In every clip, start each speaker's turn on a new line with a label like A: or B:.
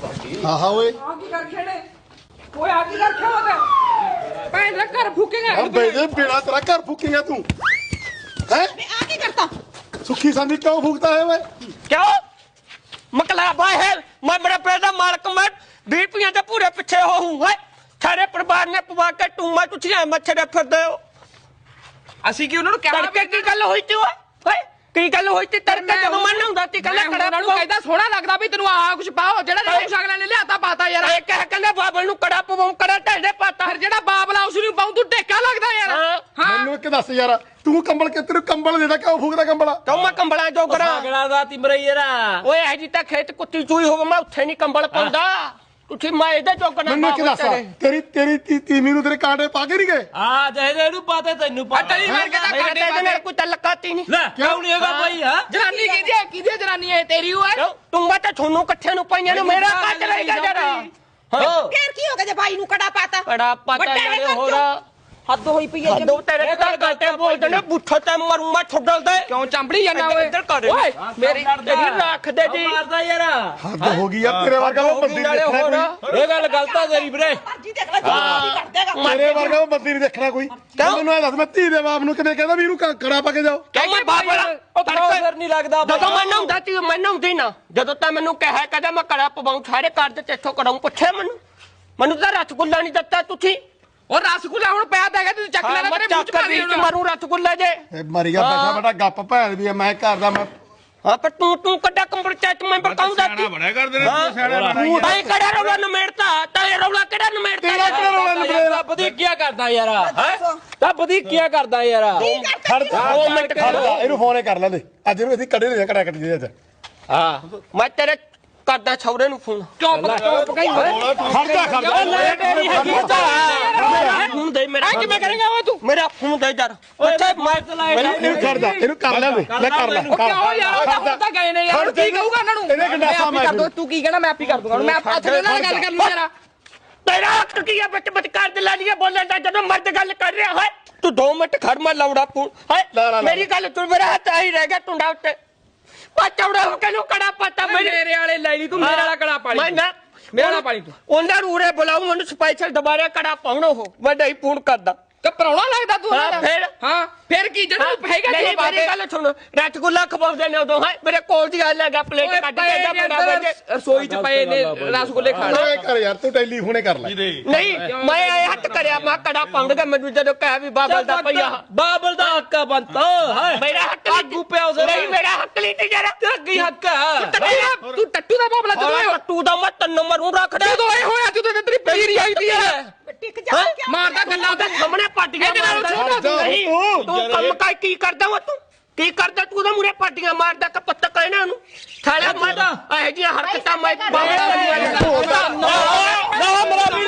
A: हाँ हाँ ओए
B: घर फूकेगा
A: बिना तेरा घर फूकेगा तू है
B: आगे करता
A: सुखी सांदी क्यों फूकता है मैं
C: क्यों मकलाबा है मैं बड़ा पैदा मालक मैं 20 रुपये के पूरे पीछे हो हूँ सारे परिवार ने पवा के टूमा तुझे मच्छर फिर दो
B: ਅਸੀਂ ਕੀ ਉਹਨਾਂ ਨੂੰ ਕਹਿਣਾ
C: की गल हुई थी ओए की गल हुई थी तड़के जब मन ਹੁੰਦਾ ਸੀ ਕੱਲਾ
B: ਉਹਨਾਂ ਨੂੰ ਕਹਿੰਦਾ ਸੋਹਣਾ ਲੱਗਦਾ ਵੀ ਤੈਨੂੰ ਆਹ ਕੁਝ ਪਾਓ ਜਿਹੜਾ ਤੈਨੂੰ ਕੁਝ ਅਗਲੇ ਨੇ ਲਿਆਤਾ ਪਾਤਾ ਯਾਰ
C: ਇਹ ਕਹਿ ਕਹਿੰਦਾ ਬਾਬਲ ਨੂੰ ਕੜਾ ਪਵਾਉਂ ਕੜਾ ਢੇਡੇ ਪਾਤਾ
B: ਫਿਰ ਜਿਹੜਾ ਬਾਬਲਾ ਉਸ ਨੂੰ ਪਾਉਂ ਤੂੰ ਟੇਕਾ ਲੱਗਦਾ ਯਾਰ ਹਾਂ
A: ਮੈਨੂੰ ਇੱਕ ਦੱਸ ਯਾਰ ਤੂੰ ਕੰਬਲ ਕਿ ਤੈਨੂੰ ਕੰਬਲ ਦੇਦਾ ਕਿਉਂ ਫੂਕਦਾ ਕੰਬਲ
C: ਕਿਉਂ ਮੈਂ ਕੰਬਲਾਂ ਜੋਗਰਾ
D: ਸਾਗੜਾ ਦਾ ਤਿਮਰੇ ਯਾਰਾ
C: ਓਏ ਇਹ ਜੀ ਤਾਂ ਖੇਤ ਕੁੱਤੀ ਚੂਈ ਹੋਵੇ ਮੈਂ ਉੱਥੇ ਨਹੀਂ ਕੰਬਲ ਪਾਉਂਦਾ ਤੁਸੀਂ ਮੈਂ ਇਹਦੇ ਜੋਗਣਾ
A: ਮੈਨੂੰ ਇੱਕ ਦੱਸ ਤੇਰੀ ਤੀਵੀਂ ਨੂੰ ਤੇਰੇ ਕਾਂਟੇ ਪਾ ਕੇ ਨਹੀਂ ਗਏ
D: ਆ ਜਿਹਦੇ ਇਹਨੂੰ ਪਾਤੇ ਤੈਨੂੰ ਪਾ
B: ਤੇਰੀ ਵਰਗੇ ਦਾ ਕਾਂਟੇ
C: ਇਹਦੇ ਨਾਲ ਕੋਈ ਤਲਕਾਤੀ ਨਹੀਂ
D: ਲੈ ਕਿਉਂ ਨਹੀਂ ਹੈਗਾ ਭਾਈ ਹਾਂ
B: ਜਨਾਨੀ ਕਿਹਦੀ ਜਨਾਨੀ ਹੈ ਤੇਰੀ ਓਏ
C: ਤੂੰ ਮੈਂ ਤਾਂ ਤੁਹਾਨੂੰ ਇਕੱਠੇ ਨੂੰ ਪਈਆਂ ਨੂੰ ਮੇਰਾ ਕੱਟ ਲਈਗਾ ਜਰਾ
B: ਫੇਰ ਕੀ ਹੋ ਗਿਆ ਜੇ ਬਾਈ ਨੂੰ ਕੜਾ ਪਾਤਾ
C: ਕੜਾ ਪਾਤਾ ਨਾਲੇ ਹੋਰ
B: ਹੱਦ ਹੋਈ ਪਈ ਹੈ
C: ਦੋ ਤੇਰੇ ਘਰ ਗੱਟੇ ਬੋਲਦੇ ਨੇ ਬੁੱਠਾ ਤੇ ਮਰੂ ਮੈਂ ਛੱਡਲ ਦੇ
B: ਕਿਉਂ ਚੰਬੜੀ ਜਾਂਦਾ ਓਏ
C: ਇੱਧਰ ਕਰ
B: ਓਏ ਮੇਰੀ
C: ਤੇਰੀ ਰੱਖ ਦੇ ਜੀ
D: ਮਾਰਦਾ ਯਾਰਾ
A: ਹੱਦ ਹੋ ਗਈ ਯਾਰ ਤੇਰੇ ਵਰਗਾ ਉਹ ਬੰਦੀ
C: ਨਾਲੇ ਹੋਰ
D: ਇਹ ਗੱਲ ਗਲਤ ਆ ਤੇਰੀ ਵੀਰੇ
B: ਮਰਜੀ ਦੇਖ ਲੈ ਜੀ ਕਰ ਦੇਗਾ
A: ਤੇਰੇ ਵਰਗਾ ਉਹ ਬੰਦੀ ਨਹੀਂ ਦੇਖਣਾ ਕੋਈ ਮੈਨੂੰ ਇਹ ਦੱਸ ਮੈਂ ਧੀ ਦੇ ਬਾਪ ਨੂੰ ਕਿਵੇਂ ਕਹਿੰਦਾ ਵੀ ਇਹਨੂੰ ਕੜਾ ਪਾ ਕੇ ਜਾਓ
C: ਕਿਉਂ ਮੈਂ ਬਾਬਲਾ
D: ਉਹ ਤੜਕਾ ਨਹੀਂ ਲੱਗਦਾ
C: ਜਦੋਂ ਮੈਂ ਨਹਾਉਂਦਾ ਸੀ ਮੈਂ ਨਹਾਉਂਦੀ ਨਾ ਜਦੋਂ ਤਾਂ ਮੈਨੂੰ ਕਹਿਆ ਕਹਿੰਦਾ ਮੈਂ ਕੜਾ ਪਵਾਉਂ ਸਾਰੇ ਘਰ ਦੇ ਤੇਥੋਂ ਕਰਾਉਂ ਪੁੱਛਿਆ ਮੈਨੂੰ ਤਾਂ ਰਸਗੁੱਲਾ ਨਹੀਂ ਦਿੱਤਾ ਤੁਸੀਂ
B: ਉਹ ਰਸਗੁੱਲਾ ਹੁਣ ਪਿਆ ਤਾਂ ਹੈਗਾ ਤੂੰ ਚੱਕ ਲੈਣਾ ਤੇਰੇ ਮੂੰਹ ਚ ਪਾ ਦੇ
C: ਮਾਰੂ ਰਸਗੁੱਲਾ ਜੇ
A: ਇਹ ਮਰ ਗਿਆ ਬੈਠਾ ਬੈਠਾ ਗੱਪ ਭੈਣ ਵੀ ਮੈਂ ਘਰ ਦਾ ਮੈਂ
C: ਹਾਂ ਪਰ ਤੂੰ ਕੱਡਾ ਪੰਚਾਇਤ ਮੈਂਬਰ ਕਾਉਂਦਾ ਸੀ
E: ਬੜਾ ਕਰਦੇ ਨੇ ਤੂੰ ਸਿਆਣਾ
C: ਤੂੰ ਭਾਈ ਕਿਹੜਾ ਰੌਲਾ ਨਮੇੜਤਾ ਤੇ ਰੌਲਾ ਕਿਹੜਾ ਨਮੇੜਤਾ
A: ਤੇਰਾ ਕਿਹੜਾ ਰੌਲਾ ਨਿਬੜੇਗਾ
D: ਵਧੀਕੀਆ ਕਰਦਾ ਯਾਰਾ ਹੈ ਤਾਂ ਵਧੀਕੀਆ ਕਰਦਾ ਯਾਰਾ
A: ਖੜ ਜਾ 2 ਮਿੰਟ ਖੜ ਜਾ ਇਹਨੂੰ ਫੋਨੇ ਕਰ ਲੈਂਦੇ ਅੱਜ ਇਹਨੂੰ ਅਸੀਂ ਕੱਢੇ ਨੇ ਕੜਾ ਕੱਢੀ ਅੱਜ
C: ਹਾਂ ਮੈਂ ਤੇਰੇ ਕਰਦਾ ਛੌਰੇ ਨੂੰ ਫੋਨ
B: ਚੁੱਪ ਕਹੀਂ ਓਏ
A: ਖੜ ਜਾ
D: ਮੇਰੀ ਹੈਗੀ
C: ਫੋਨ ਦੇ ਮੇਰਾ
B: ਕਿਵੇਂ ਕਰੇਗਾ ਓਏ ਤੂੰ
C: ਮੇਰਾ ਫੋਨ ਦੇ ਯਾਰ ਅੱਛਾ ਮੈਂ
A: ਇਹਨੂੰ ਛੱਡ ਜਾ ਇਹਨੂੰ ਕਰ ਲੈਂਦੇ ਲੈ ਕਰ ਲੈ
B: ਕਿਉਂ ਯਾਰ ਉਹ ਤਾਂ ਗਏ ਨੇ ਯਾਰ ਕੀ ਕਹੂਗਾ ਇਹਨਾਂ ਨੂੰ
A: ਇਹਨੇ ਗੰਡਾਸਾ
B: ਮੈਂ ਕਰ ਦੋ ਤੂੰ ਕੀ ਕਹਿਣਾ ਮੈਂ ਆਪ ਹੀ ਕਰ ਦੂੰਗਾ ਮੈਂ ਅੱਜ ਇਹਨਾਂ ਨਾਲ ਗੱਲ ਕਰ ਲੂ ਯਾਰ
C: ਤੇਰਾ ਹੱਕ ਕੀ ਹੈ ਵਿੱਚ ਵਿਚਕਾਰ ਦੇ ਲਾਲੀਏ ਬੋਲਣ ਦਾ ਜਦੋਂ ਮਰਦ ਗੱਲ ਕਰ ਰਿਹਾ ਹੈ ਤੂੰ 2 ਮਿੰਟ ਖੜ ਮੈਂ ਲੌੜਾ ਫੋਨ ਹੈ ਮੇਰੀ ਗੱਲ ਤੂੰ ਮੇਰਾ ਹੱਥ ਆਹੀ ਰਹਿ ਗਿਆ ਟੁੰਡਾ ਉੱਤੇ ਚੌੜਾ ਹੋ ਕੇ ਨੂੰ ਕੜਾ ਪਤਾ
B: ਮੇਰੇ ਵਾਲੇ ਲੈ ਲਈ ਤੂੰ ਮੇਰੇ ਵਾਲਾ ਕੜਾ ਪਾਲੀ
C: ਮੈਂ ਨਾ
B: ਮੇਰੇ ਵਾਲਾ ਪਾਲੀ ਤੂੰ
C: ਉਹਨਾਂ ਨੂੰ ਉਰੇ ਬੁਲਾਉਂ ਉਹਨੂੰ ਸਪੈਸ਼ਲ ਦੁਬਾਰਾ ਕੜਾ ਪਾਉਣਾ ਉਹ ਮੈਂ ਨਹੀਂ ਫੋਨ ਕਰਦਾ
B: ਤੇ ਪਰੌਣਾ ਲੱਗਦਾ ਤੂੰ
C: ਹਾਂ ਫਿਰ
B: ਹਾਂ ਫਿਰ ਕੀ ਜਿਹੜਾ ਹੈਗਾ
C: ਨਹੀਂ ਮੇਰੀ ਗੱਲ ਸੁਣ ਰਸਗੁੱਲਾ ਖਵਾਉਂਦੇ ਨੇ ਉਦੋਂ ਹੈ ਮੇਰੇ ਕੋਲ ਦੀ ਗੱਲ ਹੈਗਾ ਪਲੇਟ ਕੱਢ ਕੇ ਜਾ ਬਣਾ ਦੇ
B: ਰਸੋਈ ਚ ਪਏ ਨੇ ਰਸਗੁੱਲੇ ਖਾਣ
A: ਓਏ ਕਰ ਯਾਰ ਤੂੰ ਟੈਲੀਫੋਨੇ ਕਰ ਲੈ
C: ਨਹੀਂ ਮੈਂ ਇਹ ਹੱਥ ਕਰਿਆ ਮੈਂ ਕੜਾ ਪਾਉਂਗਾ ਮੈਨੂੰ ਜਦੋਂ ਕਹਿ ਵੀ ਬਾਬਲ ਦਾ ਪਈਆ
D: ਬਾਬਲ ਦਾ ਹੱਕ ਆ ਬੰਤਾ ਹੈ
C: ਮੇਰਾ ਹੱਕ
D: ਆਗੂ ਪਿਆ ਉਸੇ
C: ਨਹੀਂ ਮੇਰਾ ਹੱਕ ਨਹੀਂ ਤੇ ਜਰਾ
D: ਤੇਰਾ ਕੀ ਹੱਕ ਹੈ
B: ਤੂੰ ਟੱਟੂ ਦਾ ਬਾਬਲਾ ਜਦੋਂ
C: ਟੱਟੂ ਦਾ ਮੈਂ 3 ਨੰਬਰ ਨੂੰ ਰੱਖ ਦੇ
B: ਜਦੋਂ ਇਹ ਹੋਇਆ ਤੂੰ ਤੇਰੀ ਪੀਰੀ ਆਈ ਦੀ ਯਾਰ
C: ਟਿਕ ਜਾ
B: ਮਾਰਦਾ ਗੱਲਾਂ
C: ਤੇ ਸਾਹਮਣੇ ਪਾਟੀਆਂ ਤੂੰ ਕੰਮ ਕਾਇ ਕੀ ਕਰਦਾ ਵਾ ਤੂੰ ਕੀ ਕਰਦਾ ਤੂੰ ਉਹਦੇ ਮੂਰੇ ਪਾਟੀਆਂ ਮਾਰਦਾ ਕਿ ਪੱਤਾ ਕਹਿਣਾ ਉਹਨੂੰ ਥਾਲਾ ਮਾਰਦਾ ਇਹੋ ਜਿਹੀਆਂ ਹਰਕਤਾਂ ਮੈਂ ਬਾਬਾ
D: ਨਾ ਮੇਰਾ ਵੀਰ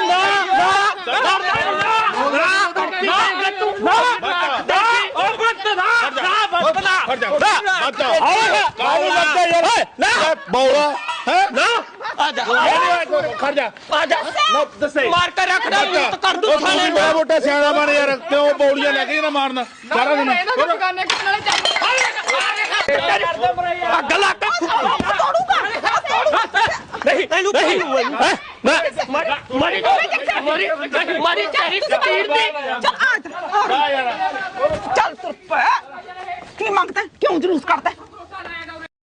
A: ਬੌਲਾ ਹੈ
C: ਨਾ ਆ ਜਾ
A: ਖੜ ਜਾ
C: ਆ ਜਾ
A: ਦੱਸੇ
C: ਮਾਰ ਕੇ ਰੱਖ ਦੇ ਮੂਤ ਕਰ ਦੂੰ ਥਾਲੇ
A: ਬੜਾ ਮੋਟਾ ਸਿਆਣਾ ਬਣ ਯਾਰ ਕਿਉਂ ਬੌਲੀਆਂ ਲੈ ਕੇ ਨਾ ਮਾਰਨਾ ਸਾਰਾ ਦਿਨ
B: ਇਹਨਾਂ ਦੁਕਾਨੇ ਕਿਸ ਨਾਲੇ ਚੱਲ
C: ਗਲਾ ਕੱਟ ਨਹੀਂ ਇਹਨੂੰ ਮਾਰੀ ਤੇਰੀ ਸਪੀਡ ਦੀ
B: ਚੱਲ ਤੁਰ ਪੈ ਕੀ ਮੰਗਦਾ ਕਿਉਂ ਜਲੂਸ ਕਰਦਾ